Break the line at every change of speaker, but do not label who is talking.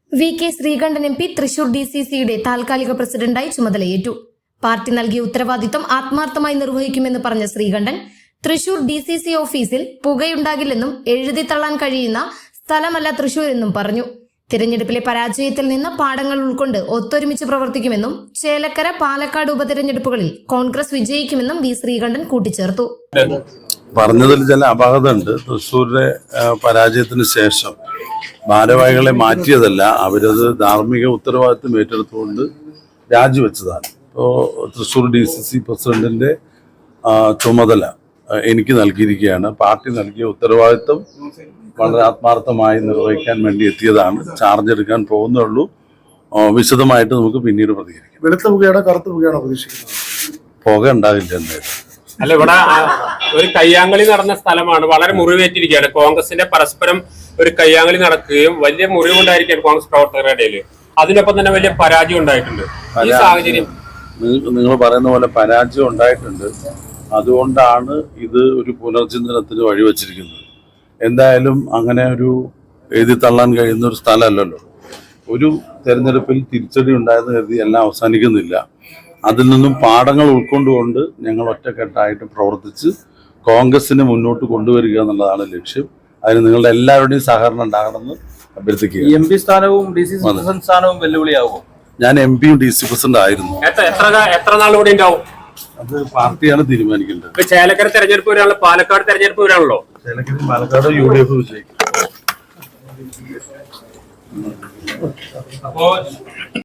VK. Sreekandan MP. Thrissur DCCയുടെ താൽക്കാലിക പ്രസിഡന്റായി ചുമതലയേറ്റു. പാർട്ടി നൽകിയ ഉത്തരവാദിത്തം ആത്മാർത്ഥമായി നിർവഹിക്കുമെന്ന് പറഞ്ഞ ശ്രീകണ്ഠൻ, തൃശൂർ DCC ഓഫീസിൽ പുകയുണ്ടാകില്ലെന്നും എഴുതി തള്ളാൻ കഴിയുന്ന സ്ഥലമല്ല തൃശൂർ എന്നും പറഞ്ഞു. തിരഞ്ഞെടുപ്പിലെ പരാജയത്തിൽ നിന്ന് പാഠങ്ങൾ ഉൾക്കൊണ്ട് ഒത്തൊരുമിച്ച് പ്രവർത്തിക്കുമെന്നും ചേലക്കര, പാലക്കാട് ഉപതെരഞ്ഞെടുപ്പുകളിൽ കോൺഗ്രസ് വിജയിക്കുമെന്നും വി. ശ്രീകണ്ഠൻ കൂട്ടിച്ചേർത്തു.
പറഞ്ഞതിൽ ചില അപാകത ഉണ്ട്. തൃശ്ശൂരിലെ പരാജയത്തിന് ശേഷം ഭാരവാഹികളെ മാറ്റിയതല്ല, അവരത് ധാർമ്മിക ഉത്തരവാദിത്വം ഏറ്റെടുത്തുകൊണ്ട് രാജിവെച്ചതാണ്. ഇപ്പോൾ തൃശ്ശൂർ DCC പ്രസിഡന്റിന്റെ ചുമതല എനിക്ക് നൽകിയിരിക്കുകയാണ്. പാർട്ടി നൽകിയ ഉത്തരവാദിത്വം വളരെ ആത്മാർത്ഥമായി നിർവഹിക്കാൻ വേണ്ടി എത്തിയതാണ്. ചാർജ് എടുക്കാൻ പോകുന്നുള്ളൂ. വിശദമായിട്ട് നമുക്ക് പിന്നീട് പ്രതികരിക്കാം.
വെളുത്ത പുകയാണോ കറുത്ത പുകയാണോ പ്രതീക്ഷിക്കുന്നത്?
പുക ഉണ്ടാകില്ല എന്തായാലും.
അല്ല, ഇവിടെ ഒരു കയ്യാങ്കളി നടന്ന സ്ഥലമാണ്. വളരെ മുറിവേറ്റിരിക്കുകയാണ്. കോൺഗ്രസിന്റെ പരസ്പരം ഒരു കയ്യാങ്കളി നടക്കുകയും വലിയ മുറിവുണ്ടായിരിക്കുകയാണ് കോൺഗ്രസ് പ്രവർത്തകരുടെ ഇടയിൽ. അതിനൊപ്പം തന്നെ വലിയ പരാജയം ഉണ്ടായിട്ടുണ്ട്. ഈ സാഹചര്യം
നിങ്ങൾ പറയുന്ന പോലെ പരാജയം ഉണ്ടായിട്ടുണ്ട്. അതുകൊണ്ടാണ് ഇത് ഒരു പുനർചിന്തനത്തിന് വഴിവെച്ചിരിക്കുന്നത്. എന്തായാലും അങ്ങനെ ഒരു എഴുതി തള്ളാൻ കഴിയുന്ന ഒരു സ്ഥലമല്ലല്ലോ. ഒരു തെരഞ്ഞെടുപ്പിൽ തിരിച്ചടി ഉണ്ടായെന്ന് കരുതി എല്ലാം അവസാനിക്കുന്നില്ല. അതിൽ നിന്നും പാഠങ്ങൾ ഉൾക്കൊണ്ടുകൊണ്ട് ഞങ്ങൾ ഒറ്റക്കെട്ടായിട്ട് പ്രവർത്തിച്ച് കോൺഗ്രസിനെ മുന്നോട്ട് കൊണ്ടുവരിക എന്നുള്ളതാണ് ലക്ഷ്യം. അതിന് നിങ്ങളുടെ എല്ലാവരുടെയും സഹകരണം ഉണ്ടാകണമെന്ന് അഭ്യർത്ഥിക്കുക.
MP സ്ഥാനവും DCC പ്രസിഡന്റ് സ്ഥാനവും വെല്ലുവിളിയാകും.
ഞാൻ MP യും DC പ്രസിഡന്റ് ആയിരുന്നു.
എത്ര നാൾ കൂടി ഉണ്ടാവും?
അത് പാർട്ടിയാണ് തീരുമാനിക്കേണ്ടത്.
ചേലക്കര തെരഞ്ഞെടുപ്പ് വരാണല്ലോ, പാലക്കാട് തെരഞ്ഞെടുപ്പ് വരാണല്ലോ.
ചേലക്കര പാലക്കാട് UDF വിജയിക്കും.